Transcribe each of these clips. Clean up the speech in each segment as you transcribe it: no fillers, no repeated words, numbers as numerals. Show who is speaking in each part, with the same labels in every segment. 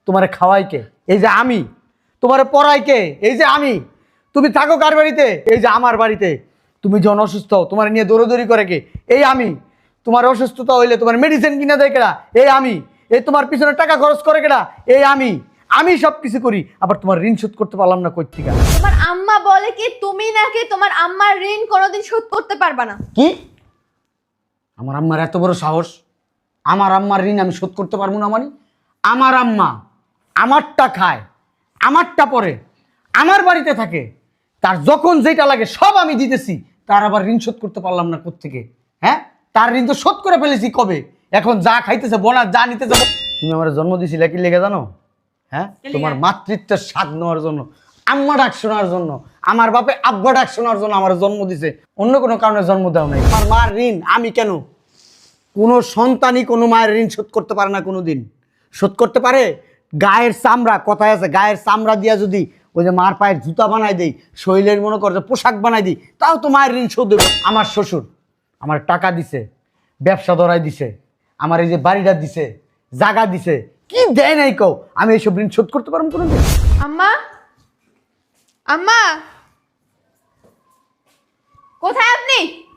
Speaker 1: তোমারে খাওয়াই কে? এই যে আমি। তোমারে পড়াই কে? এই যে আমি। তুমি থাকো কার বাড়িতে? এই যে আমার বাড়িতে। তুমি যখন অসুস্থ হও তোমার নিয়ে দৌড়াদৌড়ি করে কে? এই আমি। তোমার অসুস্থতা হইলে তোমার মেডিসিন কিনে দেয় কেডা? এই আমি। এই তোমার পিছনে টাকা খরচ করে কেডা? এই আমি। আমি সব কিছু করি, আবার তোমার ঋণ শোধ করতে পারলাম না কই থেকে?
Speaker 2: তোমার আম্মা বলে কি তুমি নাকি তোমার আম্মার ঋণ কোনোদিন শোধ করতে পারবা না।
Speaker 1: কি? আমার আম্মার এত বড় সাহস? আমার আম্মার ঋণ আমি শোধ করতে পারবো না মানে? আমার আম্মা আমারটা খায়, আমারটা পরে, আমার বাড়িতে থাকে, তার যখন যেটা লাগে সব আমি দিতেছি, তার আবার ঋণ শোধ করতে পারলাম না কোত্থেকে? হ্যাঁ, তার ঋণ তো শোধ করে ফেলেছি কবে। এখন যা খাইতেছে বোনা, যা নিতে যাবো। তুমি আমার জন্ম দিছিলে কি লেগে জানো? হ্যাঁ, তোমার মাতৃত্বের স্বাদ নেওয়ার জন্য, আম্মা ডাক শোনার জন্য, আমার বাপে আব্বা ডাক শোনার জন্য আমার জন্ম দিছে, অন্য কোনো কারণে জন্ম দেও নাই। আমার মার ঋণ আমি কেন? কোনো সন্তানই কোনো মায়ের ঋণ শোধ করতে পারে না, কোনো দিন শোধ করতে পারে? গায়ের চামড়া, কথায় আছে, গায়ের চামড়া দিয়া যদি ওই যে মার পায়ের জুতা বানাই দেই, শরীরের মনে করে পোশাক বানাই দিই, তাও তো মায়ের ঋণ শোধ দেবে। আমার শ্বশুর আমার টাকা দিছে, ব্যবসা ধরাই দিছে, আমার এই যে বাড়িটা দিছে, জায়গা দিছে, কি দেয় নাই কও? আমি এইসব ঋণ শোধ করতে পারবো কোনো দিন?
Speaker 2: আম্মা, আম্মা, কোথায় আপনি?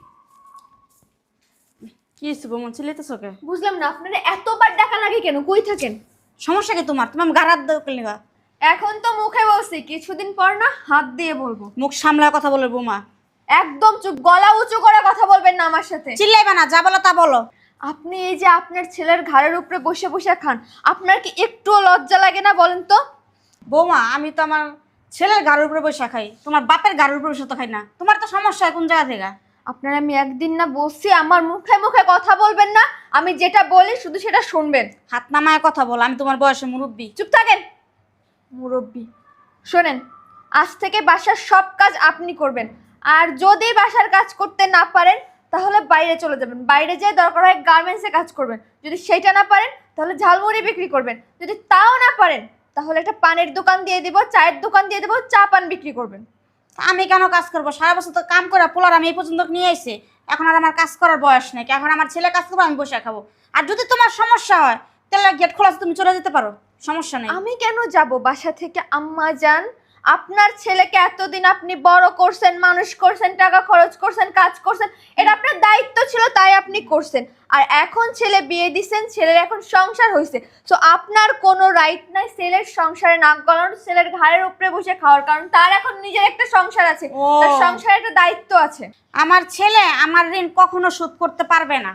Speaker 3: কি হয়েছে বৌমা, চিল্লাইতেছ কে?
Speaker 2: বুঝলাম না, আপনারা এতবার ডাকা লাগে কেন? কই থাকেন?
Speaker 3: সমস্যা কি তোমার? তুমি গারাত দাও কেন?
Speaker 2: এখন তো মুখে বলছি, কিছুদিন পর না হাত দিয়ে বলবো।
Speaker 3: মুখ সামলায় কথা বলে বৌমা।
Speaker 2: একদম চুপ, গলা উঁচু করে কথা বলবেন না আমার সাথে।
Speaker 3: চিল্লাইবে না, যা বলো তা বলো।
Speaker 2: আপনি এই যে আপনার ছেলের ঘাড়ের উপরে বসে বসে খান, আপনার কি একটুও লজ্জা লাগে না বলেন তো?
Speaker 3: বৌমা, আমি তো আমার ছেলের গাড়ির উপরে বসে খাই, তোমার বাপের গাড়ির উপরে বসে তো খাই না। তোমার তো সমস্যা কোন জায়গা থেকে?
Speaker 2: আপনার আমি একদিন না বলছি আমার মুখে মুখে কথা বলবেন না, আমি যেটা বলি শুধু সেটা শুনবেন।
Speaker 3: হাত নামায় কথা বলো, আমি তোমার বয়সে মুরব্বী।
Speaker 2: চুপ থাকেন মুরব্বি। শোনেন, আজ থেকে বাসার সব কাজ আপনি করবেন, আর যদি বাসার কাজ করতে না পারেন তাহলে বাইরে চলে যাবেন, বাইরে যেয়ে দরকার হয় গার্মেন্টসে কাজ করবেন, যদি সেটা না পারেন তাহলে ঝালমুড়ি বিক্রি করবেন, যদি তাও না পারেন তাহলে একটা পানের দোকান দিয়ে দিব, চায়ের দোকান দিয়ে দেবো, চা পান বিক্রি করবেন।
Speaker 3: আমি কেন কাজ করবো? সারা বছর তো কাম করে পোলার আমি এই পর্যন্ত নিয়ে আইছে, এখন আর আমার কাজ করার বয়স নেই। এখন আমার ছেলে কাজ করবো, আমি বসে খাবো। আর যদি তোমার সমস্যা হয় তাহলে গেট খোলা আছে, তুমি চলে যেতে পারো, সমস্যা নেই।
Speaker 2: আমি কেন যাব বাসা থেকে? আম্মা যান, আপনার ছেলেকে এতদিন আপনি বড় করছেন, মানুষ করছেন, টাকা খরচ করছেন, কাজ করছেন, এটা আপনার দায়িত্ব ছিল, তাই আপনি করছেন। আর এখন ছেলে বিয়ে দিচ্ছেন, ছেলের এখন সংসার হয়েছে, তো আপনার কোনো রাইট নাই ছেলের সংসারে নাক গলানোর, ছেলের ঘাড়ের উপরে বসে খাওয়ার, কারণ তার এখন নিজের একটা সংসার আছে, তার সংসারে একটা দায়িত্ব আছে।
Speaker 3: আমার ছেলে আমার ঋণ কখনো শোধ করতে পারবে না।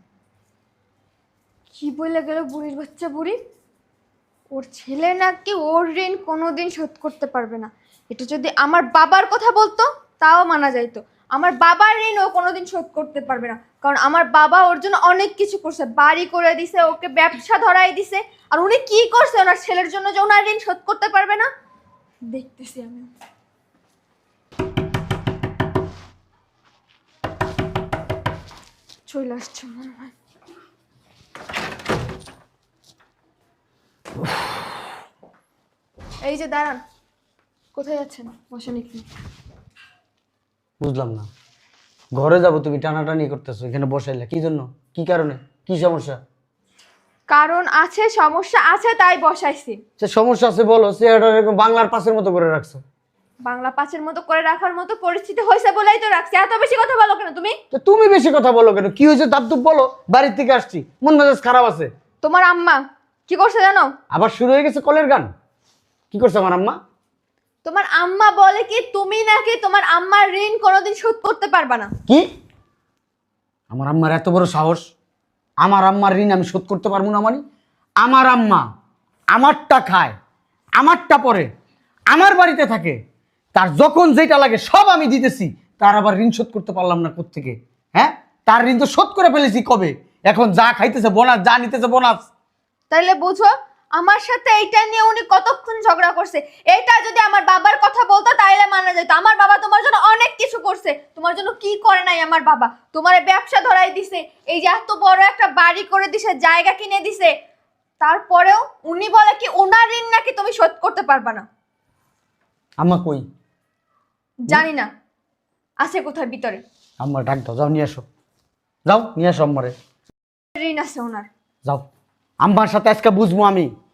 Speaker 2: কি বলে গেল বুড়ির বাচ্চা বুড়ি? ওর ছেলে নাকি ওর ঋণ কোনোদিন শোধ করতে পারবে না। এটা যদি আমার বাবার কথা বলতো তাও মানা যাইতো। আমার বাবার ঋণ ও কোনোদিন শোধ করতে পারবে না, কারণ আমার বাবা ওর জন্য অনেক কিছু করছে, বাড়ি করে দিছে, ওকে ব্যবসা ধরাই দিছে। আর উনি কি করছে ওনার ছেলের জন্য যে ওনার ঋণ শোধ করতে পারবে না? দেখতেছি আমি। চলে আসছে মনে হয়। এই যে দাঁড়ান, কোথায় যাচ্ছেন? বসেন একটু।
Speaker 1: বুঝলাম না, ঘরে যাবো তুমি টানাটানি করতেছো, এখানে বসাইলে কি জন্য? কি কারণে? কি সমস্যা?
Speaker 2: কারণ আছে, সমস্যা আছে, তাই বসাইছি।
Speaker 1: সে সমস্যা আছে বলো, সে এরকম বাংলার পাশের মতো করে রাখছো।
Speaker 2: বাংলা পাঁচের মতো করে রাখার মতো পরিস্থিতি হয়েছে বলেই তো রাখছি। এত বেশি কথা বলো কেন তুমি?
Speaker 1: তো তুমি বেশি কথা বলো কেন? কি হয়েছে দাবদুব বলো। বাড়ির থেকে আসছি, মন মেজাজ খারাপ আছে।
Speaker 2: তোমার আম্মা কি করছে জানো?
Speaker 1: আবার শুরু হয়ে গেছে কলের গান। কি করছে আমার আম্মা?
Speaker 2: তোমার আম্মা বলে কি তুমি নাকি তোমার আম্মার ঋণ কোনোদিন শোধ করতে পারবা না।
Speaker 1: কি? আমার আম্মার এত বড় সাহস? আমার আম্মার ঋণ আমি শোধ করতে পারবো না মানে? আমার আম্মা আমারটা খায়, আমারটা পরে, আমার বাড়িতে থাকে, তার যখন যেটা লাগে সব আমি দিতেছি, তার আবার ঋণ শোধ করতে পারলাম না কোত্থেকে? হ্যাঁ, তার ঋণ তো শোধ করে ফেলেছি কবে। এখন যা খাইতেছে বোনাস, যা নিতেছে বোনাস।
Speaker 2: তাইলে বুঝো আমার সাথে এইটা নিয়ে উনি কতক্ষণ ঝগড়া করছে। এটা যদি আমার বাবার কথা বলতো তাইলে মানা যেত। আমার বাবা তোমার জন্য অনেক কিছু করছে, তোমার জন্য কি করে নাই আমার বাবা? তোমার ব্যবসা ধরাই দিছে, এই যে এত বড় একটা বাড়ি করে দিছে, জায়গা কিনে দিছে, তারপরেও উনি বলে কি ওনার ঋণ নাকি তুমি শোধ করতে পারবা না।
Speaker 1: আম্মা কই?
Speaker 2: জানি না, আছে কোথায় ভিতরে।
Speaker 1: আম্মা ডাক দাও, যাও নিয়ে আসো, যাও নিয়ে আসো আম্মারে,
Speaker 2: ঋণ আছে ওনার।
Speaker 1: যাও। আম্মার সাথে আজকে বুঝবো আমি।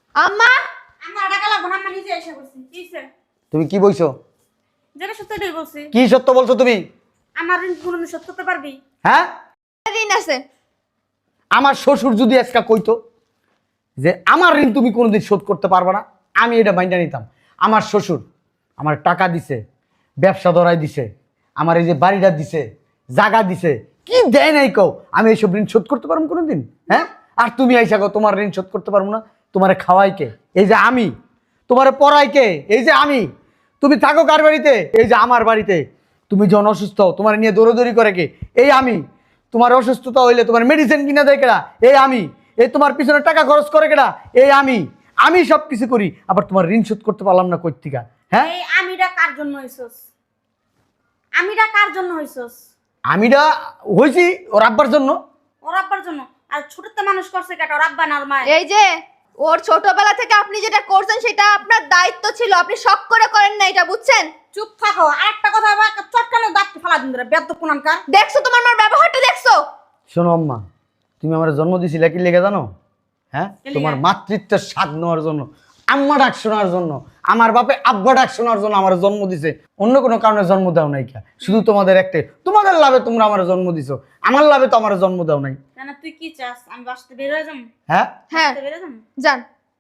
Speaker 2: আম্মা
Speaker 3: আমার টাকা লাগবে না, আম্মা নিজে এসে বলছি। কি হইছে?
Speaker 1: তুমি কি বইছো?
Speaker 3: যেটা সত্যি এটাই বলছি।
Speaker 1: কি সত্য বলছো তুমি?
Speaker 3: আমার ঋণ কোনোদিন শোধ করতে পারবি?
Speaker 1: হ্যাঁ,
Speaker 2: ঋণ আছে।
Speaker 1: আমার শ্বশুর যদি আজকে কইতো যে আমার ঋণ তুমি কোনোদিন শোধ করতে পারবে না, আমি এটা মাইন্ডা নিতাম। আমার শ্বশুর আমার টাকা দিছে, ব্যবসা ধরাই দিছে, আমার এই যে বাড়িটা দিছে, জায়গা দিছে, কি দেয় নাই কও, আমি এইসব ঋণ শোধ করতে পারবো কোনোদিন? হ্যাঁ, আর তুমি আইসা কও তোমার ঋণ শোধ করতে পারবো না। তোমারে খাওয়াই কে? এই যে আমি। তোমারে পড়াই কে? এই যে আমি। তুমি থাকো কার বাড়িতে? এই যে আমার বাড়িতে। তুমি যখন অসুস্থ হও তোমার নিয়ে দৌড়াদৌড়ি করে কে? এই আমি। তোমার অসুস্থতা হইলে তোমার মেডিসিন কিনা দেয় কেডা? এই আমি। এই তোমার পিছনে টাকা খরচ করে কেডা? এই আমি। আমি সব কিছু করি, আবার তোমার ঋণ শোধ করতে পারলাম না কর্তিকা? হ্যাঁ,
Speaker 3: এই আমিটা কার জন্য হইছস? আমিটা কার জন্য হইছস?
Speaker 1: আমিটা হয়েছি ওর আব্বার জন্য।
Speaker 3: ওর আব্বার জন্য। আর ছোটতে মানুষ করছে কেটা? ওর আব্বা না ওর মা?
Speaker 2: এই যে ওর ছোটবেলা থেকে আপনি যেটা করছেন সেটা আপনার দায়িত্ব ছিল, আপনি শখ করে করেন না, এটা বুঝছেন?
Speaker 3: চুপ থাকো। আরেকটা কথা আবার চটকানো দাঁত ফালা দিন রে, বেদ্য কোনানকার।
Speaker 2: দেখছো তোমার মার ব্যবহারটা দেখছো?
Speaker 1: শোনো আম্মা, তুমি আমার জন্ম দিছিলে কি লেগে জানো? হ্যাঁ,
Speaker 3: কি লেগে?
Speaker 1: তোমার মাতৃত্বের স্বাদ নেওয়ার জন্য, আম্মা ডাক শোনার জন্য। আমার বাপে আব্বা ডাক শোনার জন্য আমার জন্ম দিছে, অন্য কোনো কারণে জন্ম দাও নাই। কা শুধু তোমাদের একটাই, তোমাদের লাভে তোমরা আমার জন্ম দিছো, আমার লাভে তো আমার জন্ম দাও নাই।
Speaker 3: কেন তুই কি চাস? আমি বাসতে বের হয়ে যাবো?
Speaker 1: হ্যাঁ,
Speaker 2: হ্যাঁ
Speaker 3: বের হয়ে যাবো?
Speaker 2: যান।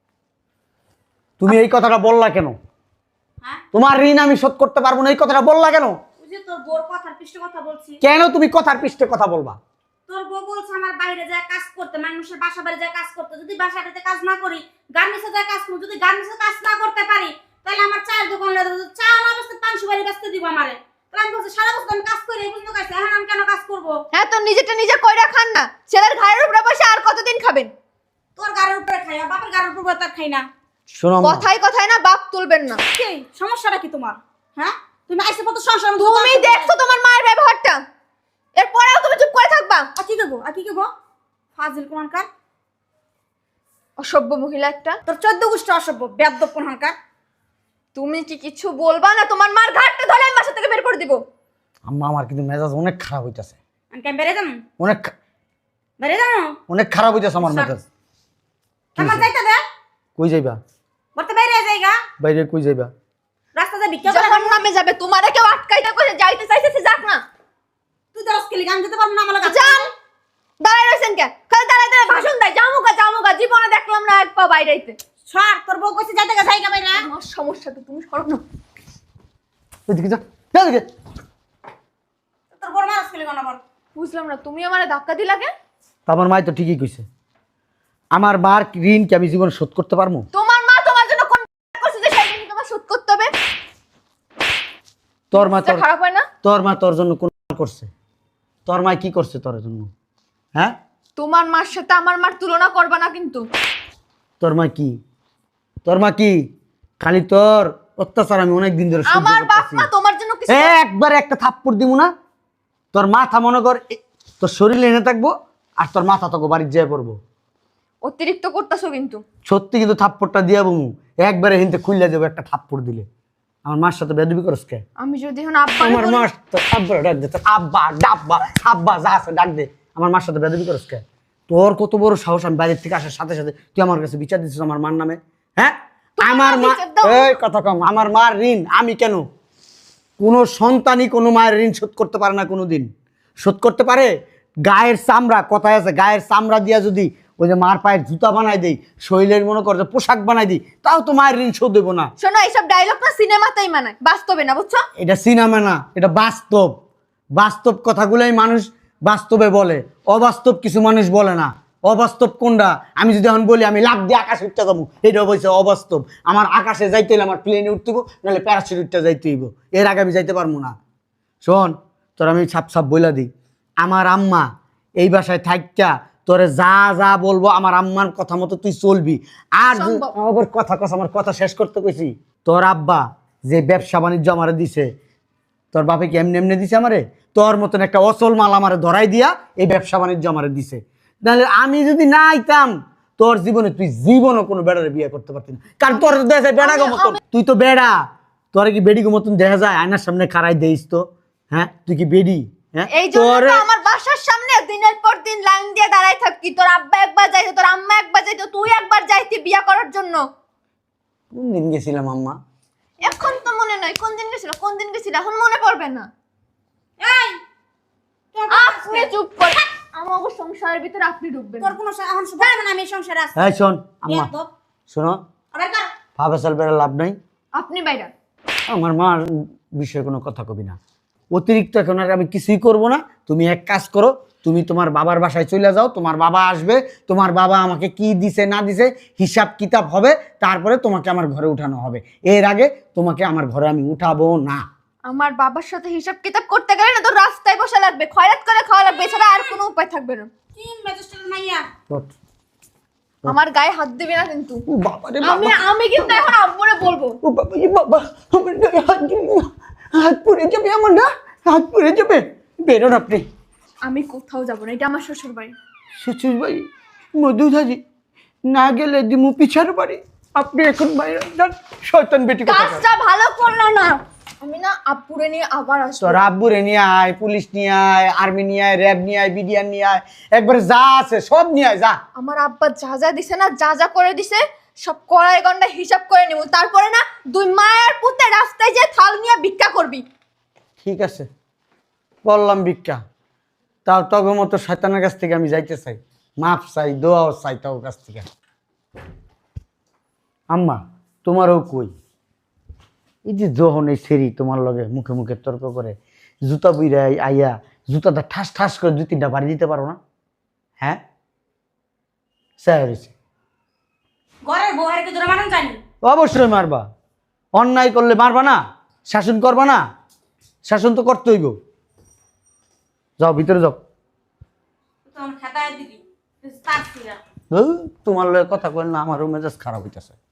Speaker 1: তুমি এই কথাটা বললা কেন?
Speaker 3: হ্যাঁ,
Speaker 1: তোমার ঋণ আমি শোধ করতে পারবো না, এই কথাটা বললা কেন?
Speaker 3: ওই যে তোর বোর কথার পৃষ্ঠ কথা বলছি।
Speaker 1: কেন তুমি কথার পৃষ্ঠে কথা বলবা?
Speaker 3: তোর বউ বলছে আমার বাইরে যায় কাজ করতে, মানুষের বাসা বাড়ি যায় কাজ করতে। যদি বাসা বাড়িতে কাজ না করি, গার্মেন্টসে যায় কাজ করবো। যদি গার্মেন্টসে কাজ না করতে পারি, তাহলে আমার চায়ের দোকান লাগে, চা না বেচতে 500 বাড়ি বেচতে দিব আমারে। তাহলে আমি বলছি সারা বছর আমি কাজ করি, এই পর্যন্ত কাজ, এখন আমি কেন কাজ করবো?
Speaker 2: হ্যাঁ, তো নিজেটা নিজে কইরা খান না, ছেলের ঘাড়ের উপরে বসে আর কতদিন খাবেন?
Speaker 3: তোর গাড়ির উপরে খাই, আর বাপের গাড়ির উপরে তার খাই না।
Speaker 1: শোনো আম্মা,
Speaker 2: কথাই কথায় না বাপ তুলবেন না।
Speaker 3: কি সমস্যাটা কি তোমার? হ্যাঁ, তুমি আইসে কত সংসার
Speaker 2: তুমি দেখছো তোমার মায়ের ব্যবহারটা, এরপরেও তুমি চুপ করে থাকবা?
Speaker 3: আর কি করবো? আর কি করবো? ফাজিল কোনকার।
Speaker 2: অসভ্য মহিলা একটা।
Speaker 3: তোর 14 গোষ্ঠী অসভ্য বেদ্য কোনকার।
Speaker 2: তুমি কি কিছু বলবা না? তোমার মার ঘাটটা ধরে আমি বাসা থেকে বের করে দিব।
Speaker 1: আম্মা আমার কিন্তু মেজাজ অনেক খারাপ হইতাছে,
Speaker 3: আমি কেন বেড়ে যাবো?
Speaker 1: অনেক
Speaker 3: বেড়ে যাবো?
Speaker 1: অনেক খারাপ হইতাছে আমার মেজাজ।
Speaker 3: আমার যাইতে দে।
Speaker 1: কই যাইবা?
Speaker 3: বলতে বাইরে যাইগা।
Speaker 1: বাইরে কই যাইবা?
Speaker 3: রাস্তা যাবি কেউ?
Speaker 2: জাহান্নামে যাবে, তোমারে কেউ আটকাইতে কইছে, যাইতে চাইতেছে যাক না।
Speaker 3: তুই তো রসকেলি গান যেতে পারবো না আমার কাছে।
Speaker 2: যান। দাঁড়ায় রইছেন কেন? খালি দাঁড়ায় দাঁড়ায় ভাষণ দেয়, জামুকা, জীবনে দেখলাম না এক পা বাইরেইতে।
Speaker 3: সর, তোর বউ কইছে যাইতে গা যাইগা বাইরে।
Speaker 2: আমার সমস্যা তো তুমি সরো না।
Speaker 1: ওইদিকে যা, যা ওইদিকে।
Speaker 3: তোর বড় মা রসকেলি গান আবার।
Speaker 2: বুঝলাম না, তুমি আমারে ধাক্কা দিলা কেন?
Speaker 1: তা আমার মাই তো ঠিকই কইছে, আমার মার ঋণ কি আমি জীবনে শোধ করতে পারবো?
Speaker 2: তোমার মা তোমার জন্য কোন করছে যে সেই ঋণ তোমার শোধ করতে হবে?
Speaker 1: তোর মা তোর
Speaker 2: খারাপ হয় না?
Speaker 1: তোর মা তোর জন্য কোন করছে? তোর মা কি করছে তোর জন্য? হ্যাঁ,
Speaker 2: তোমার মার সাথে আমার মার তুলনা করবা না কিন্তু।
Speaker 1: তোর মা কি? তোর মা কি? খালি তোর অত্যাচার আমি অনেক দিন ধরে সহ্য
Speaker 2: আমার বাপ
Speaker 1: করতেছি।
Speaker 2: মা তোমার জন্য কিছু
Speaker 1: একবার একটা থাপ্পড় দিব না, তোর মাথা মনে কর তোর শরীরে এনে থাকবো, আর তোর মাথা তোকে বাড়ির যেয়ে পড়বো।
Speaker 2: অতিরিক্ত করতেছো কিন্তু।
Speaker 1: সত্যি কিন্তু থাপ্পড়টা দিয়া বমু, একবারে হিনতে খুললে যাবো একটা থাপ্পড় দিলে। আমার মার সাথে বেদবি করস কে?
Speaker 2: আমি যদি এখন আব্বা
Speaker 1: আমার মার তোর আব্বা ডাক দে, তোর আব্বা ডাব্বা আব্বা যা আছে ডাক দে। আমার মার সাথে বেদবি করস কে? তোর কত বড় সাহস, আমি বাইরের থেকে আসার সাথে সাথে তুই আমার কাছে বিচার দিচ্ছিস আমার মার নামে? হ্যাঁ,
Speaker 2: তোমার
Speaker 1: আমার
Speaker 2: মা
Speaker 1: মা,
Speaker 2: বিচার দাও।
Speaker 1: এই কথা কম, আমার মার ঋণ আমি কেন? কোন সন্তানই কোনো মায়ের ঋণ শোধ করতে পারে না, কোনোদিন শোধ করতে পারে? গায়ের চামড়া, কথায় আছে, গায়ের চামড়া দিয়া যদি ওই যে মার পায়ের জুতা বানাই দেই, শরীরের মনে কর যে পোশাক বানাই দিই, তাও তো মায়ের ঋণ শোধ দেবো না।
Speaker 2: শোনো, এইসব ডায়লগ না সিনেমাতেই মানায়, বাস্তবে না, বুঝছো?
Speaker 1: এটা সিনেমা না, এটা বাস্তব। বাস্তব কথাগুলোই মানুষ বাস্তবে বলে, অবাস্তব কিছু মানুষ বলে না। অবাস্তব কোনটা? আমি যদি এখন বলি আমি লাফ দিয়ে আকাশে উঠতে যাবো, এটা বলছে অবাস্তব। আমার আকাশে যাইতে হলে আমার প্লেনে উঠতে হইব, নাহলে প্যারাসুট উঠতে যাইতে হইব, এর আগে আমি যাইতে পারবো না। শোন, তোর আমি ছাপ ছাপ বইলা দিই, আমার আম্মা এই বাসায় থাকতা তোরে যা যা বলবো আমার আম্মার কথা মতো তুই চলবি। আর
Speaker 2: সম্ভব।
Speaker 1: আমার কথা কস, আমার কথা শেষ করতে কইছি। তোর আব্বা যে ব্যবসা বাণিজ্য আমারে দিছে, তোর বাপে কি এমনি এমনি দিছে আমারে? তোর মতন একটা অচল মাল আমারে ধরাই দিয়া এই ব্যবসা বাণিজ্য আমারে দিছে। তাহলে আমি যদি না আইতাম, তোর জীবনে তুই জীবনও কোনো বেড়ারে বিয়ে করতে পারতি না। কারণ তোর দেখা যায় বেড়া গো মতন, তুই তো বেড়া। তোর কি বেডি গো মতন দেখা যায়? আয়নার সামনে খাড়াই দেইস তো? হ্যাঁ, তুই কি বেডি? হ্যাঁ
Speaker 2: এই জন্য
Speaker 1: তোরে
Speaker 2: তো আমার বাসার সামনে দিনের পর দিন লাইন দিয়ে দাঁড়ায় থাকি, তোর আব্বা একবার যাইতো, তোর আম্মা একবার যাইতো, তুই একবার যাইতি বিয়া করার জন্য।
Speaker 1: কোন দিন গেছিলাম আম্মা?
Speaker 2: এখন তো মনে নাই কোন দিন গেছিল, কোন দিন গেছিল এখন মনে পড়বে না।
Speaker 3: এই তোর
Speaker 2: আপনি চুপ কর, আমার সংসারের ভিতরে আপনি ঢুকবেন না।
Speaker 3: তোর কোনো এখন শুভায় মানে আমি সংসারে আছি।
Speaker 1: এই শোন আম্মা,
Speaker 3: বেয়াদব।
Speaker 1: শোনো,
Speaker 3: আবার কার?
Speaker 1: ফাফাসাল বেড়া লাভ নাই।
Speaker 2: আপনি বাইরা।
Speaker 1: আমার মার বিষয়ে কোনো কথা কবি না। অতিরিক্ত এখন আর আমি কিছুই করব না। তুমি এক কাজ করো, তুমি তোমার বাবার বাসায় চলে যাও, তোমার বাবা আসবে, তোমার বাবা আমাকে কি দিছে না দিছে হিসাব কিতাব হবে, তারপরে তোমাকে আমার ঘরে উঠানো হবে। এর আগে তোমাকে আমার ঘরে আমি উঠাবো না।
Speaker 2: আমার বাবার সাথে হিসাব কিতাব করতে গেলে না তোর রাস্তায় বসা লাগবে, খয়রাত করে খাওয়া লাগবে, এছাড়া আর কোনো উপায় থাকবে না।
Speaker 3: তিন ম্যাজিস্ট্রেট মাইয়া।
Speaker 1: ওঠ।
Speaker 2: আমার গায়ে হাত দিবি না কিন্তু।
Speaker 1: ও বাবা রে
Speaker 2: আমি
Speaker 1: বাবা,
Speaker 2: আমি কিন্তু এখন আব্বুরে বলবো।
Speaker 1: ও বাবা রে বাবা, আমার গায়ে হাত দিবি না। হাত পুড়ে যাবে আমার, না হাত পুড়ে যাবে। বেরোন আপনি।
Speaker 2: আমি কোথাও যাব না, এটা আমার শ্বশুর বাড়ি।
Speaker 1: শ্বশুর বাড়ি মধুধারি, না গেলে দিমু পিছার বাড়ি। আপনি এখন বাইরে যান, শয়তান বেটি কথা।
Speaker 2: কাজটা ভালো করলো না। আমি না আব্বুরে নিয়ে আবার আসবো।
Speaker 1: তোর আব্বুরে নিয়ে আয়, পুলিশ নিয়ে আয়, আর্মি নিয়ে আয়, র্যাব নিয়ে আয়, বিডিআর নিয়ে আয়, একবারে যা আছে সব নিয়ে আয়, যা।
Speaker 2: আমার আব্বা যা যা দিছে না, যা যা করে দিছে সব কড়াই গন্ডা হিসাব করে নেব, তারপরে না দুই মায়ের পুতে রাস্তায় যে থাল নিয়ে ভিক্ষা করবি।
Speaker 1: ঠিক আছে, বললাম ভিক্ষা, তাও তবে মতো শয়তানের কাছ থেকে আমি যাইতে চাই, মাপ চাই, দোয়াও চাই তাও কাছ থেকে। আম্মা তোমারও কই, এই যে যখন এই সেরি তোমার লগে মুখে মুখে তর্ক করে, জুতা বুইরা আইয়া জুতাটা ঠাস ঠাস করে 2-3টা বাড়ি দিতে পারো না? হ্যাঁ স্যার,
Speaker 3: ঘরের বউয়ের কি জোরে মারুন জানি?
Speaker 1: অবশ্যই মারবা। অন্যায় করলে মারবা না? শাসন করবা না? শাসন তো করতে হইব। যাও ভিতরে যাও।
Speaker 3: তোমার খাতায় দিবি তার ফিরা।
Speaker 1: তোমার লগে কথা কইল না, আমারও মেজাজ খারাপ হইতেছে।